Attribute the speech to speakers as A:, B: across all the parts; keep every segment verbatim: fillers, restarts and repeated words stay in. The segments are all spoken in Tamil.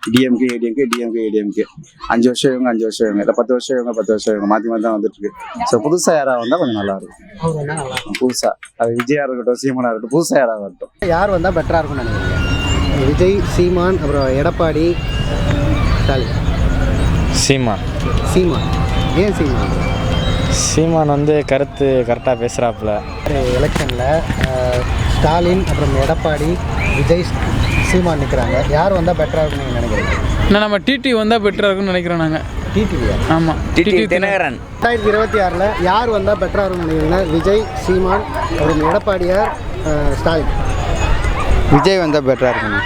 A: டிஎம்கே ஏடிஎம்கே டிஎம்கே ஏடிஎம்கே அஞ்சு வருஷம் இவங்க அஞ்சு வருஷம் இவங்க இல்லை பத்து வருஷம் இவங்க பத்து வருஷம் இவங்க மாற்றி மாற்றி தான் வந்துட்டு இருக்கு. ஸோ புதுசாக யாராக வந்தால் கொஞ்சம் நல்லா இருக்கும். புதுசாக அது விஜயா இருக்கட்டும் சீமானா இருக்கட்டும் புதுசாக யாராக வரட்டும்.
B: யார் வந்தால் பெட்டராக இருக்கும்னு நினைக்கிறீங்க? விஜய், சீமான், அப்புறம் எடப்பாடி, ஸ்டாலின்.
C: சீமான்.
B: சீமான் ஏன் சீமான்?
C: சீமான் வந்து கருத்து கரெக்டாக பேசுகிறாப்புல.
B: எலெக்ஷனில் ஸ்டாலின் அப்புறம் எடப்பாடி, விஜய், சீமான் நிற்கிறாங்க. யார் வந்தால் பெட்டராக இருக்குன்னு நீங்கள் நினைக்கிறீங்க?
D: நான் நம்ம டிடி வந்தால் பெட்டராக இருக்குன்னு நினைக்கிறோம் நாங்கள்.
B: டிடிவியா?
D: ஆமாம், டிடி தினகரன்.
B: ரெண்டாயிரத்தி இருபத்தி ஆறில் யார் வந்தால் பெட்டராக இருக்குன்னு நினைக்கிறீங்கன்னா விஜய், சீமான், அப்புறம் எடப்பாடியார், ஸ்டாலின்.
E: விஜய் வந்தால் பெட்டராக இருக்குங்க.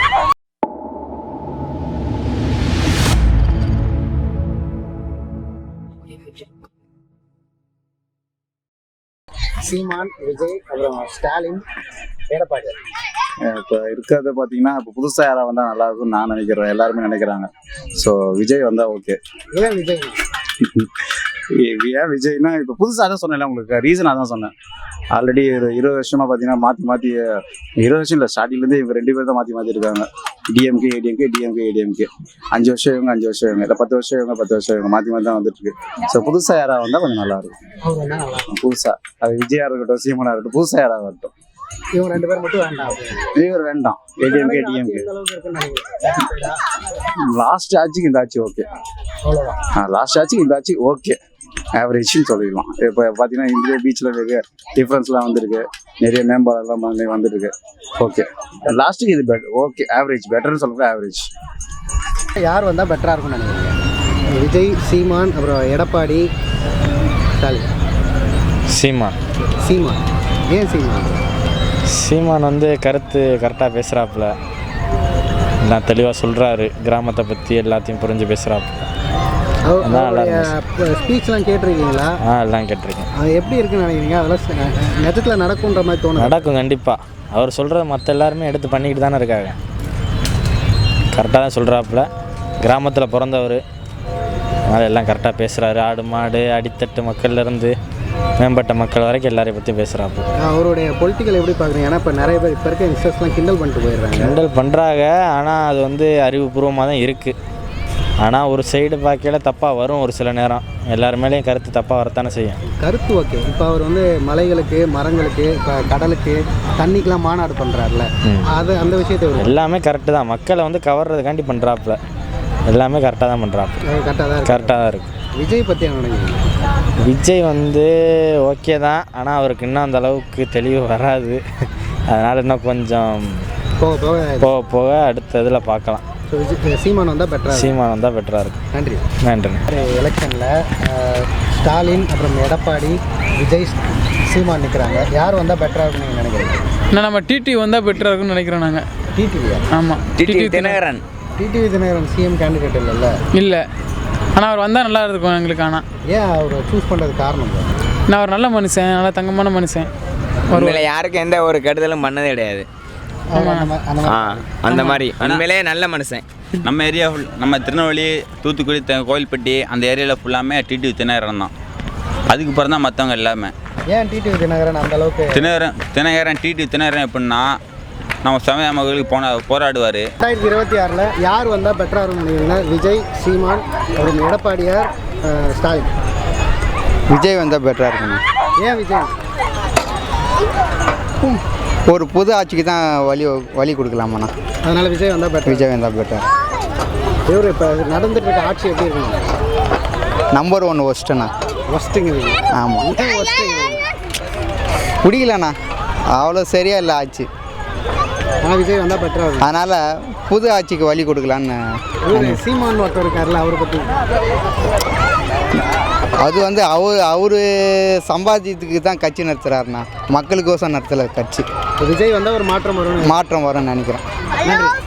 B: சீமான், விஜய், அப்புறம் ஸ்டாலின், எடப்பாடி.
A: இப்போ இருக்கிறத பார்த்தீங்கன்னா இப்போ புதுசாக யாராக வந்தால் நல்லா இருக்கும்னு நான் நினைக்கிறேன், எல்லாருமே நினைக்கிறாங்க. ஸோ விஜய் வந்தால் ஓகே.
B: ஏன் விஜய்?
A: ஏன் விஜய்னா இப்போ புதுசாக தான் சொன்னேன், உங்களுக்கு ரீசனாக தான் சொன்னேன். ஆல்ரெடி ஒரு இருபது வருஷமாக பார்த்தீங்கன்னா மாற்றி மாற்றி இருபது வருஷம் இல்லை ஸ்டார்டிங்லேருந்து இவங்க ரெண்டு பேர் தான் மாற்றி மாற்றி இருக்காங்க. டிஎம்கே ஏடிஎம்கே டிஎம்கே ஏடிஎம்கே அஞ்சு வருஷம் இவங்க அஞ்சு வருஷம் இவங்க இல்லை பத்து வருஷம் இவங்க பத்து வருஷம் இவங்க மாற்றி மாற்றி தான் வந்துட்டு இருக்கு. ஸோ புதுசாக யாராக வந்தால் கொஞ்சம் நல்லா இருக்கும். புதுசாக அது விஜயா இருக்கட்டும் சீமானா இருக்கட்டும் புதுசாக யாராக வரட்டும்.
B: இவங்க ரெண்டு பேர் மட்டும் வேண்டாம்.
A: இவர் வேண்டாம். ஏடிஎம்கே டிஎம்கே லாஸ்ட் ஆட்சிக்கு இந்த ஆட்சி ஓகே. லாஸ்ட் ஆட்சிக்கு இந்த ஆட்சி ஓகே, ஆவரேஜ்னு சொல்லிடலாம். இப்போ பார்த்தீங்கன்னா இந்திய பீச்சில் நிறைய டிஃப்ரென்ஸ்லாம் வந்துருக்கு, நிறைய மேம்பாலெல்லாம் வந்துருக்கு. ஓகே, லாஸ்ட்டுக்கு இது பெட்டர். ஓகே, ஆவரேஜ் பெட்டர்னு சொல்லுங்க. ஆவரேஜ்.
B: யார் வந்தால் பெட்டராக இருக்கும்னு நினைக்கிறீங்க? விஜய், சீமான், அப்புறம் எடப்பாடி, ஸ்டாலின்.
C: சீமான்.
B: சீமான் ஏன் சீமான்?
C: சீமான் வந்து கருத்து கரெக்டாக பேசுகிறாப்புல, எல்லாம் தெளிவாக சொல்கிறாரு, கிராமத்தை பற்றி எல்லாத்தையும் புரிஞ்சு பேசுகிறாப்புல.
B: ஸ்பீச்லாம் கேட்டிருக்கீங்களா?
C: ஆ எல்லாம் கேட்டிருக்கேன்.
B: அது எப்படி இருக்குன்னு நினைக்கிறீங்க? அதெல்லாம் நிஜத்தில் நடக்குன்ற மாதிரி தோணும்?
C: நடக்கும் கண்டிப்பாக. அவர் சொல்கிறத மற்ற எல்லாருமே எடுத்து பண்ணிக்கிட்டு தானே இருக்காங்க. கரெக்டாக தான் சொல்கிறாப்புல, கிராமத்தில் பிறந்தவர், அதனால் எல்லாம் கரெக்டாக பேசுகிறாரு. ஆடு மாடு அடித்தட்டு மக்கள்லேருந்து மேம்பட்ட மக்கள் வரைக்கும் எல்லாரையும் பற்றி பேசுகிறாப்பு.
B: அவருடைய பொலிட்டிக்கல் எப்படி பார்க்குறீங்க? ஏன்னா இப்போ நிறைய பேர் இப்போ இருக்க யங்ஸ்டர்ஸ்லாம் கிண்டல் பண்ணிட்டு போயிடுறாங்க.
C: கிண்டல் பண்ணுறாங்க, ஆனால் அது வந்து அறிவுபூர்வமாக தான் இருக்குது. ஆனால் ஒரு சைடு பார்க்கையில தப்பாக வரும். ஒரு சில நேரம் எல்லாரு மேலேயும் கருத்து தப்பாக வரத்தானே செய்யும்.
B: கருத்து ஓகே. இப்போ அவர் வந்து மலைகளுக்கு, மரங்களுக்கு, இப்போ கடலுக்கு, தண்ணிக்கெலாம் மாநாடு பண்ணுறாருல, அது அந்த விஷயத்தை
C: எல்லாமே கரெக்டு தான். மக்களை வந்து கவர்றதுக்காண்டி பண்ணுறாப்புல, எல்லாமே கரெக்டாக தான் பண்ணுறாப்புல.
B: கரெக்டாக தான்
C: கரெக்டாக தான் இருக்குது.
B: விஜய் பற்றி என்ன நினைக்கிறீங்க?
C: விஜய் வந்து ஓகே தான், ஆனால் அவருக்கு இன்னும் அந்த அளவுக்கு தெளிவு வராது. அதனால் இன்னும் கொஞ்சம்
B: போக போக
C: போக போக அடுத்த இதில் பார்க்கலாம்.
B: சீமான் வந்தால் பெட்டராக
C: சீமான் வந்தால் பெட்டராக இருக்கும்.
B: நன்றி.
C: நன்றி.
B: எலெக்ஷனில் ஸ்டாலின் அப்புறம் எடப்பாடி, விஜய், சீமான் நிற்கிறாங்க. யார் வந்தால் பெட்டராக இருக்குன்னு நீங்கள் நினைக்கிறீங்க?
D: நான் நம்ம டிடி வந்தால் பெட்டராக இருக்குன்னு நினைக்கிறோம் நாங்கள்.
B: டிடிவியா?
D: ஆமாம், TT Dinakaran.
B: TTV Dinakaran CM candidate இல்லைல்ல?
D: இல்லை, ஆனால் அவர் வந்தால் நல்லா இருக்கும் எங்களுக்கு. ஆனால்
B: ஏன் அவர் சூஸ் பண்ணுறது காரணம்?
D: நான் அவர் நல்ல மனுஷன், நல்லா தங்கமான மனுஷன்.
F: உண்மையில யாருக்கும் எந்த ஒரு கெடுதலும் பண்ணதே கிடையாது. அந்த மாதிரி உண்மையிலே நல்ல மனுஷன்.
G: நம்ம ஏரியா ஃபுல், நம்ம திருநெல்வேலி, தூத்துக்குடி, கோயில்பட்டி அந்த ஏரியாவில் ஃபுல்லாமே டிடிவி தினகரன் தான். அதுக்கு பிறகு தான் மற்றவங்க எல்லாமே.
B: ஏன் டிடிவி தினகரன் அந்த அளவுக்கு?
G: தினகரன் தினகரன் டிடிவி தினகரன் எப்படின்னா நம்ம சமய மக்களுக்கு போன போராடுவார்.
B: ரெண்டாயிரத்தி இருபத்தி ஆறில் யார் வந்தால் பெட்டராக இருக்கும்னு நினைக்கிறீங்கன்னா விஜய், சீமான், அப்புறம் எடப்பாடியார், ஸ்டாலின்.
E: விஜய் வந்தால் பெட்டராக இருக்குங்க.
B: ஏன் விஜய்?
E: ஒரு புது ஆட்சிக்கு தான் வழி வழி கொடுக்கலாமாண்ணா,
B: அதனால் விஜய் வந்தால் பெட்டர்.
E: விஜய் வந்தால் பெட்டர்.
B: இவர் இப்போ நடந்துட்டு இருக்க ஆட்சி எப்படி இருக்குங்க?
E: நம்பர் ஒன் ஒஸ்ட்டுண்ணா.
B: ஒஸ்ட்டுங்க?
E: ஆமாம்,
B: ஒஸ்ட்டுங்க.
E: பிடிக்கலண்ணா, அவ்வளோ சரியா இல்லை ஆட்சி.
B: ஆனால் விஜய் வந்தால் பெட்டராக இருக்கும்.
E: அதனால் புது ஆட்சிக்கு வழி கொடுக்கலான்னு.
B: சீமான் ஒருத்தர் இருக்கார்ல, அவரை பற்றி?
E: அது வந்து அவர் அவர் சம்பாதியத்துக்கு தான் கட்சி நடத்துகிறாருண்ணா, மக்களுக்கோசம் நடத்தலை கட்சி.
B: விஜய் வந்தால் ஒரு மாற்றம் வரும்.
E: மாற்றம் வரும்னு நினைக்கிறேன்.
B: நன்றி.